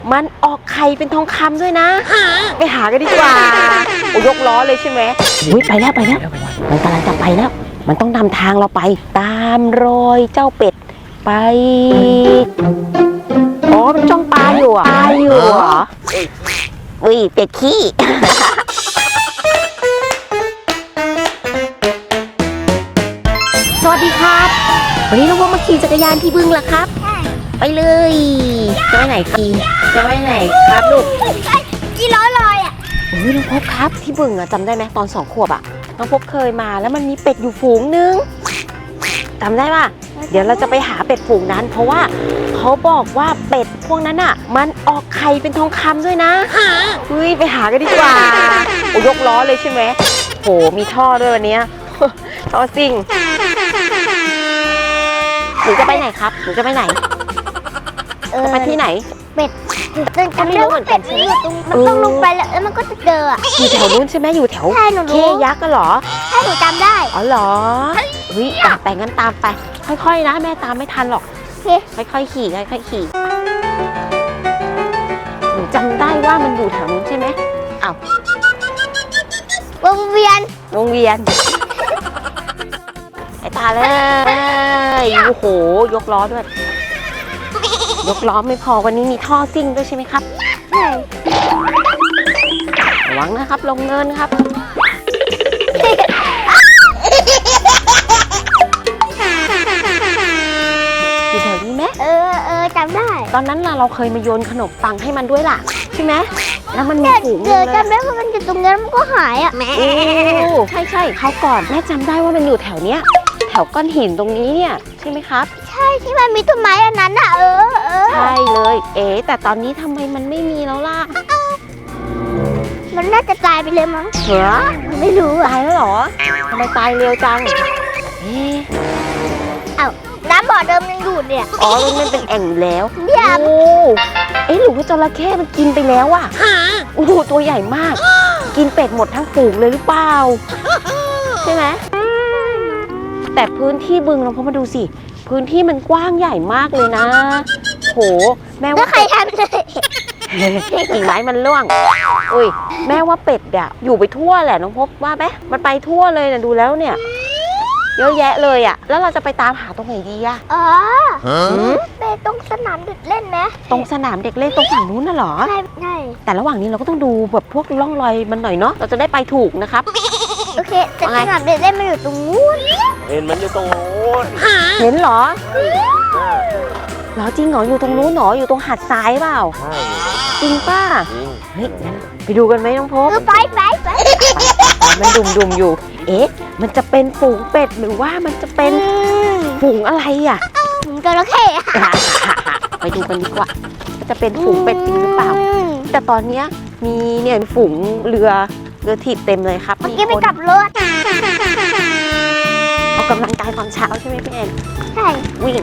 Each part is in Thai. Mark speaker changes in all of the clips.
Speaker 1: มันออกไข่เป็นทองคำด้วยนะไปหากันดีกว่าโอ้ยกล้อเลยใช่ไหมอุ้ยไปแล้วมันกำลังจะไปแล้วมันต้องนำทางเราไปตามรอยเจ้าเป็ดไปอ๋อมันจ้องปลาอยู่อ่ะเหรออุ้ยเป็ดขี้ สวัสดีครับวันนี้น้องพบมาขี่จักรยานที่บึงล่ะครับไปเลยจะไปไหนครับลูก
Speaker 2: กี่ล้อลอยอ่ะ
Speaker 1: โอ้ยน้องพบครับที่บึงอะจำได้ไหมตอน2 ขวบอะน้องพบเคยมาแล้วมันมีเป็ดอยู่ฝูงนึงจำได้ป่ะเดี๋ยวเราจะไปหาเป็ดฝูงนั้นเพราะว่าเขาบอกว่าเป็ดพวกนั้นอะมันออกไข่เป็นทองคำด้วยนะเฮ้ยไปหากันดีกว่าโอ้ยกล้อเลยใช่ไหมโหมีท่อด้วยวันนี้ ท่อซิ่งหนูจะไปไหนครับหนูจะไปไหนจะไปที่ไหน
Speaker 2: เป็ด
Speaker 1: ก็ไม่รู้เหมือนกันใช่ไหม
Speaker 2: มันต้องลงไปแล้วมันก็จะเจออ่ะ
Speaker 1: อยู่แถวนู้นใช่ไหมอยู่แถวเคยักษ์กันเหรอ
Speaker 2: ใช่หนูจำได้
Speaker 1: อ๋อเหรอเฮ้ยแต่งั้นตามไปค่อยๆนะแม่ตามไม่ทันหรอกค่อยๆขี่หนูจำได้ว่ามันอยู่แถวนู้นใช่ไหมอ้าว
Speaker 2: วงเวียน
Speaker 1: ไอ้ตาเลยโอ้โหยกล้อด้วยยกล้อไม่พอวันนี้มีท่อซิ่งด้วยใช่ไหมครับ
Speaker 2: ใช่
Speaker 1: ระวังนะครับลงเนินครับอยู่แถวนี้ไหม
Speaker 2: จำได้
Speaker 1: ตอนนั้นเราเคยมาโยนขนมปังให้มันด้วยล่ะใช่ไหมแล้วมันมีฝูงเลย
Speaker 2: จำได้ว่ามันอยู่ตรงนั้นมันก็หายอ่ะ
Speaker 1: โอ้ใช่เขาก่อนแม่จำได้ว่ามันอยู่แถวเนี้ยแถวก้อนหินตรงนี้เนี่ยใช่ไหมครับ
Speaker 2: ใช่ที่มันมีต้นไม้อันนั้นอ่ะ
Speaker 1: ใช่เลยแต่ตอนนี้ทำไมมันไม่มีแล้วล่ะ
Speaker 2: มันน่าจะตายไปเลยมั้ง
Speaker 1: เหรอ
Speaker 2: ไม่รู้
Speaker 1: ตายแล้วเหรอทำไมตายเร็วจัง
Speaker 2: น้ำบ่อเดิมยังอยู่เนี่ย
Speaker 1: อ๋อตรงนั้นเป็นแอ่งแล้ว
Speaker 2: เนี่ย
Speaker 1: โอ้หรือว่าจระเข้มันกินไปแล้วอ่ะโอ้โหตัวใหญ่มากกินเป็ดหมดทั้งฝูงเลยหรือเปล่าใช่ไหมแต่พื้นที่บึงเราพอมาดูสิพื้นที่มันกว้างใหญ่มากเลยนะโหแม่ว่า
Speaker 2: ใครทำเลย
Speaker 1: กิ่งไม้มันร่วงอุ้ยแม่ว่าเป็ดอะอยู่ไปทั่วแหละน้องพบว่าไหมมันไปทั่วเลยนะดูแล้วเนี่ยเยอะแยะเลยอะแล้วเราจะไปตามหาตรงไหนดีอะ
Speaker 2: ไปตรงสนามเด็กเล่นไหม
Speaker 1: ตรงสนามเด็กเล่นตรงฝั่งนู้นน่ะเหรอ
Speaker 2: ใช่
Speaker 1: แต่ระหว่างนี้เราก็ต้องดูแบบพวกร่องรอยมันหน่อยเนาะเราจะได้ไปถูกนะครับ
Speaker 2: โอเคแต่สนามเด็กเล่นมันอยู่ตรงนู้น
Speaker 3: เห็นมันอยู่ตรงนู้น
Speaker 1: เห็นเหรอเหรอจริงเหรออยู่ตรงนู้นเหรออยู่ตรงหาดทรายเปล่า
Speaker 3: ใช่
Speaker 1: จริงป่ะเฮ้ยงั้นไปดูกันไหมน้องพบ
Speaker 2: ไป
Speaker 1: มันดุมอยู่มันจะเป็นฝูงเป็ดหรือว่ามันจะเป็นฝูงอะไรอ่ะ
Speaker 2: จระเข้
Speaker 1: ไปดูกันดีกว่าจะเป็นฝูงเป็ดจริงหรือเปล่าแต่ตอนนี้มีเนี่ยฝูงเรือถีบเต็มเลยครับ
Speaker 2: เมื่อกี้ไปกลับรถ
Speaker 1: ออกกำลังกายตอนเช้าใช่ไหมพี่แอน
Speaker 2: ใช่
Speaker 1: วิ่ง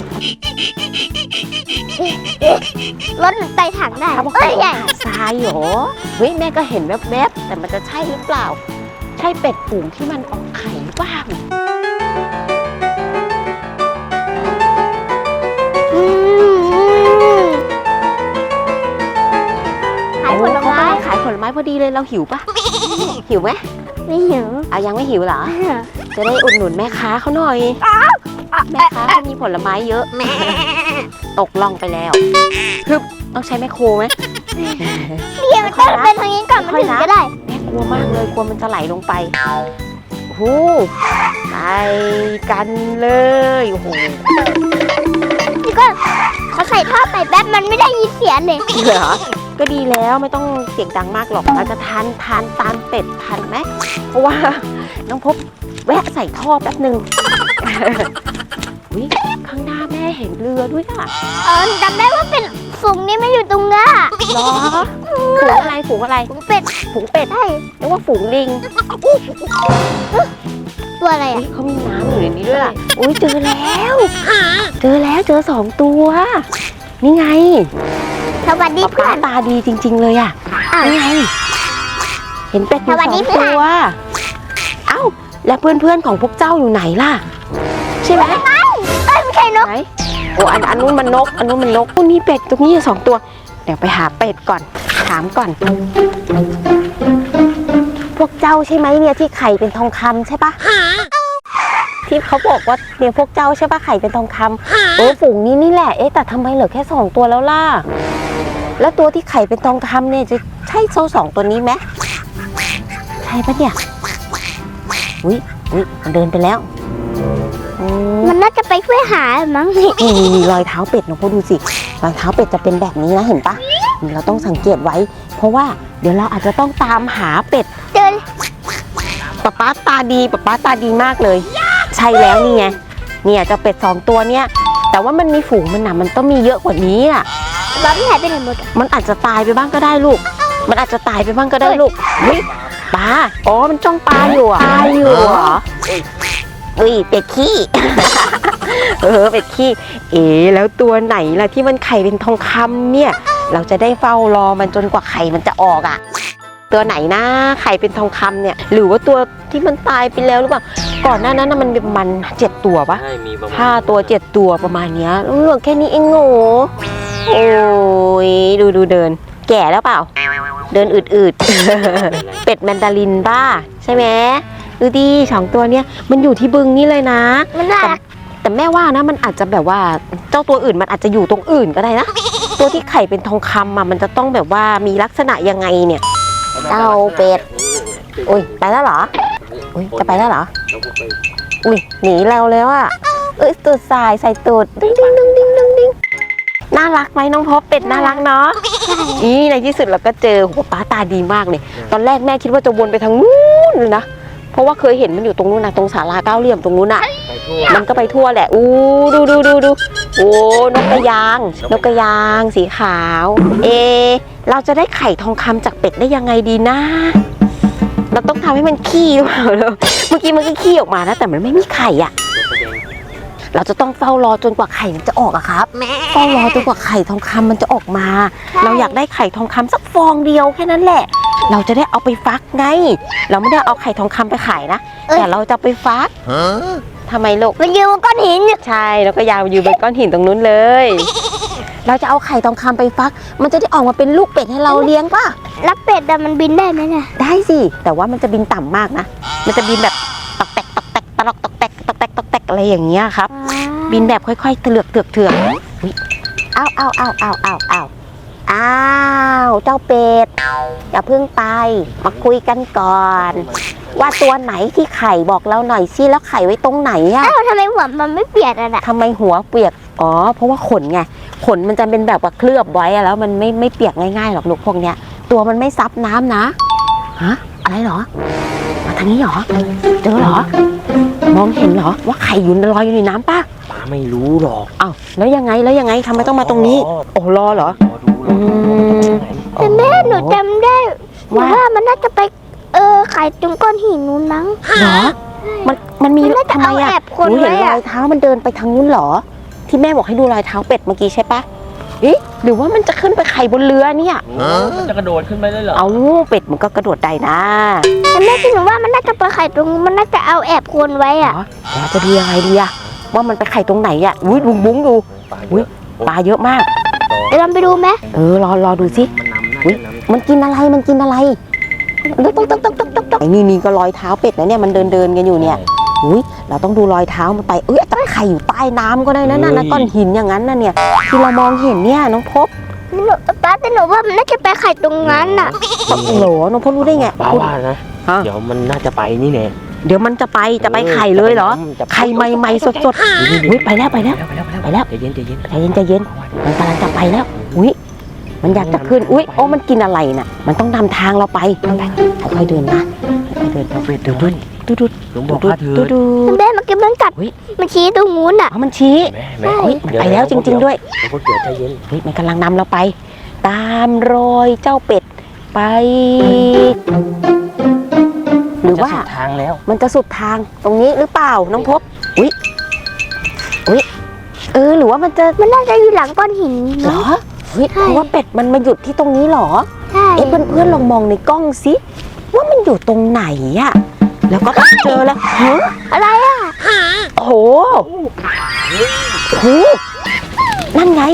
Speaker 2: รถไต่ถังได้
Speaker 1: ใหญ่ทรายเหรอเฮ้ยแม่ก็เห็นแวบๆแต่มันจะใช่หรือเปล่าใช่เป็ดฝูงที่มันออกไข่บ้าง
Speaker 2: ขายผลไม้
Speaker 1: พอดีเลยเราหิวปะหิวไหม
Speaker 2: ไม่หิว
Speaker 1: ยังไม่หิวเหรอจะได้อุดหนุนแม่ค้าเขาหน่อยแม่ค้าเขามีผลไม้เยอะตกล่องไปแล้วคือต้องใช้แม่โคไหม
Speaker 2: เดี๋ยวมันต้องเป็นทางนี้ก่อนมันถึงก็ได้
Speaker 1: แม่กลัวมากเลยกลัวมันจะไหลลงไปโอ้โหไปกันเลยโอ้โห
Speaker 2: นี่ก็เขาใส่ท่อใส่แป๊บมันไม่ได้ยินเสียงเลย
Speaker 1: เหรอก็ดีแล้วไม่ต้องเสียงดังมากหรอกเราจะทานตามเป็ดทันไหมเพราะว่าน้องพบแวะใส่ท่อแป๊บหนึ่งวิข้างหน้าแม่เห็นเรือด้วยอ่ะ
Speaker 2: จำได้ว่าเป็นฝูงนี้ไม่อยู่ตรงนั้น
Speaker 1: หรอฝูงอะไรฝูงเป็ด
Speaker 2: ใช่
Speaker 1: เรียกว่าฝูงลิง
Speaker 2: ตัวอะไรอ่ะ
Speaker 1: เขามีน้ำอยู่ในนี้ด้วยอุ้ยเจอแล้วเจอ2 ตัวนี่ไง
Speaker 2: สวัสดีเพื่อน
Speaker 1: ตาดีจริงๆเลยอ่ะนี่ไงเห็นเป็ดอยู่2 ตัวเอ้าแล้วเพื่อนๆของพวกเจ้าอยู่ไหนล่ะใช่ไหม
Speaker 2: ไม่ใช่นก
Speaker 1: โอ้อันนู้นมันนกพวกนี้เป็ดตรงนี้2 ตัวเดี๋ยวไปหาเป็ดก่อนถามก่อน พวกเจ้าใช่ไหมเนี่ยที่ไข่เป็นทองคำใช่ปะที่เขาบอกว่าเนี่ยพวกเจ้าใช่ปะไข่เป็นทองคำฝูงนี้นี่แหละแต่ทำไมเหลือแค่2ตัวแล้วล่ะแล้วตัวที่ไข่เป็นทองคำเนี่ยจะใช่2ตัวนี้ไหมใช่ปะเนี่ยอุ้ยมันเดินไปแล้ว
Speaker 2: มันน่าจะไปช่วยหามั้งนี่
Speaker 1: มีรอยเท้าเป็ดนะพวกดูสิรอยเท้าเป็ดจะเป็นแบบนี้นะเห็นปะเราต้องสังเกตไว้เพราะว่าเดี๋ยวเราอาจจะต้องตามหาเป็ด
Speaker 2: เจอ
Speaker 1: ป๊าตาดีมากเลยใช่แล้วนี่ไงเนี่ยเจ้าเป็ด2ตัวเนี่ยแต่ว่ามันมีฝูงมันนะมันต้องมีเยอะกว่านี้อ่ะ
Speaker 2: บ้าไม่หายไปไหนหมด
Speaker 1: มันอาจจะตายไปบ้างก็ได้ลูกมันอาจจะตายไปบ้างก็ได้ลูกเฮ้ยปลามันจ้องปลาอยู่อ่ะเหรอเป็ดขี้ เป็ดขี้แล้วตัวไหนล่ะที่มันไข่เป็นทองคำเนี่ยเราจะได้เฝ้ารอมันจนกว่าไข่มันจะออกอ่ะตัวไหนนะไข่เป็นทองคำเนี่ยหรือว่าตัวที่มันตายไปแล้วหรือเปล่าก่อนหน้านั้นมันมีประมาณ7ตัวปะ5 ตัว7ตัวประมาณเนี้ยเหลือแค่นี้เองโง่โอ้ยดูเดินแก่แล้วเปล่าเดินอืดๆ เป็ดแมนดารินบ้าใช่ไหมดูดิ2ตัวเนี้ยมันอยู่ที่บึงนี่เลยนะ
Speaker 2: มันน่ารัก
Speaker 1: แต่แม่ว่านะมันอาจจะแบบว่าเจ้าตัวอื่นมันอาจจะอยู่ตรงอื่นก็ได้นะ ตัวที่ไข่เป็นทองคำมันจะต้องแบบว่ามีลักษณะยังไงเนี่ยเจ้าเป็ดอุ้ยไปแล้วเหรออุ้ยจะไปแล้วเหรออุ้ยหนีเราแล้วอ่ะตูดใส่ตูดดิ้งน่ารักไหมน้องพบเป็ดน่ารักเนาะในที่สุดเราก็เจอป๊าตาดีมากเลยตอนแรกแม่คิดว่าจะวนไปทางนู้นเลยนะเพราะว่าเคยเห็นมันอยู่ตรงนู้นนะตรงศาลาเก้าเหลี่ยมตรงนู้นอ่ะมันก็ไปทั่วแหละดูโอ้นกกระยางสีขาวเราจะได้ไข่ทองคำจากเป็ดได้ยังไงดีนะเราต้องทำให้มันขี้หรือเปล่าเมื่อกี้มันก็ขี้ออกมานะแต่มันไม่มีไข่อ่ะเราจะต้องเฝ้ารอจนกว่าไข่มันจะออกอะครับเฝ้ารอจนกว่าไข่ทองคำมันจะออกมาเราอยากได้ไข่ทองคำสักฟองเดียวแค่นั้นแหละเราจะได้เอาไปฟักไงเราไม่ได้เอาไข่ทองคำไปขายนะแต่เราจะไปฟักทำไมลูก
Speaker 2: มันยืนบนก้อนหิน
Speaker 1: ใช่แล้วก็ยาวยืนบนก้อนหินตรงนู้นเลยเราจะเอาไข่ทองคำไปฟักมันจะได้ออกมาเป็นลูกเป็ดให้เราเลี้ยงป่ะ
Speaker 2: แล้วเป็ดมันบินได้ไหมเนี่ย
Speaker 1: ได้สิแต่ว่ามันจะบินต่ำมากนะมันจะบินแบบตอกแตกตลอกตอกแตกอะไรอย่างเงี้ยครับบินแบบค่อยๆเถือกอ้าวเจ้าเป็ดอย่าเพิ่งไปมาคุยกันก่อนว่าตัวไหนที่ไข่บอกเราหน่อยสิแล้วไข่ไว้ตรงไหนอะ
Speaker 2: ทำไมหัวมันไม่เปียกอะ
Speaker 1: ทำไมหัวเปียกเพราะว่าขนไงขนมันจะเป็นแบบว่าเคลือบไว้แล้วมันไม่เปียกง่ายๆหรอกลูกพวกเนี้ยตัวมันไม่ซับน้ำนะฮะอะไรเหรอมาทางนี้เหรอเจอเหรอมองเห็นเหรอว่าไข่อยู่ลอยอยู่ในน้ำป่ะ
Speaker 3: ป้าไม่รู้หรอก
Speaker 1: อ้าวแล้วยังไงทำไมต้องมาตรงนี้รอเหรอ
Speaker 2: แต่แม่หนูจำได้ว่ามันน่าจะไปไข่ตรงก้อนหินนู้นมั้ง
Speaker 1: เหรอมันมีทำไมอ่ะหนูเห็นรอยเท้ามันเดินไปทางนู้นเหรอที่แม่บอกให้ดูรอยเท้าเป็ดเมื่อกี้ใช่ปะหรือว่ามันจะขึ้นไปไข่บนเรือเนี่ย
Speaker 3: มันจะกระโดดขึ้นไปได้เหรอ
Speaker 1: เป็ดมันก็กระโดดได้นะ
Speaker 2: แต่แม่คิดว่ามันน่าจะไปไข่ตรงมันน่าจะเอาแอบโคนไว้อ่ะ
Speaker 1: เราจะดูยังไงดีอะว่ามันไปไข่ตรงไหนอ่ะบุ้งดูปลาเยอะมาก
Speaker 2: เดี๋ยวเราไปดูไหม
Speaker 1: รอดูสิมันกินอะไรต๊อกนี่ก็รอยเท้าเป็ดนะเนี่ยมันเดินกันอยู่เนี่ยเราต้องดูรอยเท้ามันไปแต่ไข่อยู่ใต้น้ำก็ได้นะก้อนหินอย่างนั้นน่ะเนี่ยที่เรามองเห็นเนี่ยน้องพบ
Speaker 2: ป้าแต่หนูว่ามันน่าจะไปไข่ตรงนั้นน่ะ
Speaker 1: โหน้องพบรู้ได้ไง
Speaker 3: ป้าว่านะเดี๋ยวมันน่าจะไปนี่แน่
Speaker 1: เดี๋ยวมันจะไปไข่เลยเหรอไข่ใหม่ๆสดๆไปแล้วใจเย็นมันกำลังจะไปแล้วมันอยากจะขึ้นมันกินอะไรน่ะมันต้องนำทางเราไปค่อยๆเดินนะค่อยๆเดิน
Speaker 3: เป็ดดูลุงบอกว่าเธอ
Speaker 2: แม่มันกำลังกัดมันชี้ตรงนู้นอ่ะ
Speaker 1: มันชี้ไปแล้วจริงๆด้วย
Speaker 3: พวกเดี๋ยวใจเย็น
Speaker 1: มันกำลังนำเราไปตามรอยเจ้าเป็ดไปหรือว่า
Speaker 3: ทางแล้ว
Speaker 1: มันจะสุดทางตรงนี้หรือเปล่าน้องพบหรือว่ามัน
Speaker 2: น่าจะอยู่หลังก้อนหิน
Speaker 1: เหรอเพราะว่าเป็ดมันมาหยุดที่ตรงนี้เหรอ
Speaker 2: ใช่
Speaker 1: เพื่อนลองมองในกล้องสิว่ามันอยู่ตรงไหนอะแล้วก็เจอแล้ว
Speaker 2: อะไรอ่ะ
Speaker 1: โอ้โหนั่นไง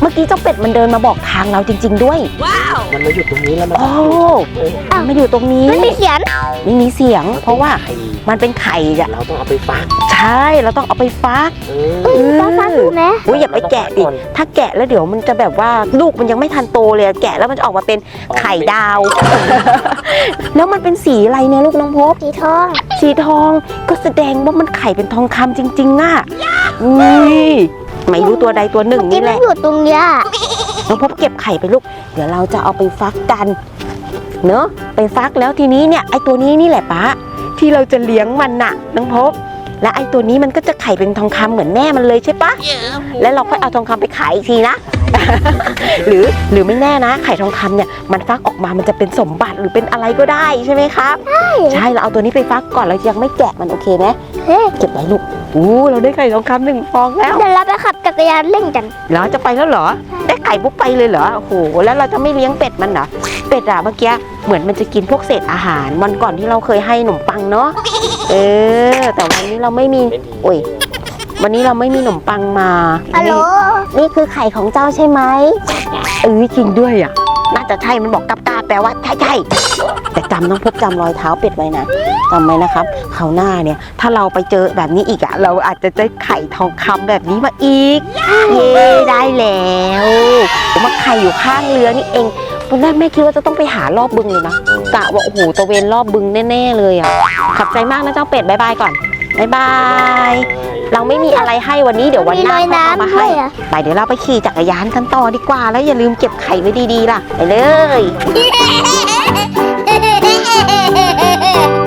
Speaker 1: เมื่อกี้เจ้าเป็ดมันเดินมาบอกทางเราจริง ๆ ด้วย
Speaker 3: มันมาอยู่ตรงนี้แล้วมัน
Speaker 1: โอ้มันมาอยู่ตรงนี้
Speaker 2: ไม่มีเสียง
Speaker 1: ไม่มีเสียง เพราะว่ามันเป็นไข่อะ
Speaker 3: เราต้องเอาไปฟัก
Speaker 1: ใช่ เราต้องเอาไปฟัก
Speaker 2: ป้าฟังดูไหม
Speaker 1: อุ้ยอย่าไปแกะดิ ถ้าแกะแล้วเดี๋ยวมันจะแบบว่าลูกมันยังไม่ทันโตเลยอะแกะแล้วมันจะออกมาเป็นไข่ดาว แล้วมันเป็นสีอะไรเนี่ยลูกน้องพบ
Speaker 2: สีทอง
Speaker 1: สีทองก็แสดงว่ามันไข่เป็นทองคำจริงๆอ่ะนี่ไม่รู้ตัวใดตัวหนึ่ง
Speaker 2: ที่
Speaker 1: นี่แห
Speaker 2: มัน
Speaker 1: ละ
Speaker 2: อยู่ตรงเนี้ย
Speaker 1: น้องพบเก็บไข่ไปลูก เดี๋ยวเราจะเอาไปฟักกันเนอะไปฟักแล้วทีนี้เนี่ยไอตัวนี้นี่แหละป้าที่เราจะเลี้ยงมันน่ะน้องพบ และไอตัวนี้มันก็จะไข่เป็นทองคำเหมือนแม่มันเลยใช่ปะแล้วเราค่อยเอาทองคำไปขายอีกทีนะ หรือไม่แน่นะไข่ทองคำเนี่ยมันฟักออกมามันจะเป็นสมบัติหรือเป็นอะไรก็ได้ใช่ไหมครับใช่เราเอาตัวนี้ไปฟักก่อนเรายังไม่แกะมันโอเคไหม
Speaker 2: เฮ้ย
Speaker 1: เก็บไว้ลูกเราได้ไข่ทองคำ1 ฟองแล้ว
Speaker 2: เดี๋ยวเราไปขับจักรยานเล่นกัน
Speaker 1: เหรอจะไปแล้วเหรอได้ไข่ปุ๊บไปเลยเหรอโอ้โหแล้วเราจะไม่เลี้ยงเป็ดมันเหรอเป็ดอะเมื่อกี้เหมือนมันจะกินพวกเศษอาหารวันก่อนที่เราเคยให้ขนมปังเนาะแต่วันนี้เราไม่มีโอ้ยวันนี้เราไม่มีขนมปังมา
Speaker 2: ฮัลโหล
Speaker 1: นี่คือไข่ของเจ้าใช่ไหมจริงด้วยอ่ะน่าจะใช่มันบอกกับตาแปลว่าใช่แต่จำต้องพบจำรอยเท้าเป็ดไว้นะจำไว้นะครับคราวหน้าเนี่ยถ้าเราไปเจอแบบนี้อีกอ่ะเราอาจจะได้ไข่ทองคำแบบนี้มาอีกเย้ได้แล้วมาไข่อยู่ข้างเรือนี่เองตอนแรกแม่คิดว่าจะต้องไปหารอบบึงเลยนะกะว่าโอ้โหตะเวนรอบบึงแน่ๆเลยอ่ะขอบใจมากนะเจ้าเป็ดบ๊ายบายก่อนบ๊ายบายเราไม่มีอะไรให้วันนี้เดี๋ยววันหน้าค่อยเอามาให้ไปเดี๋ยวเราไปขี่จักรยานกันต่อดีกว่าแล้วอย่าลืมเก็บไข่ไว้ดีๆล่ะไปเลย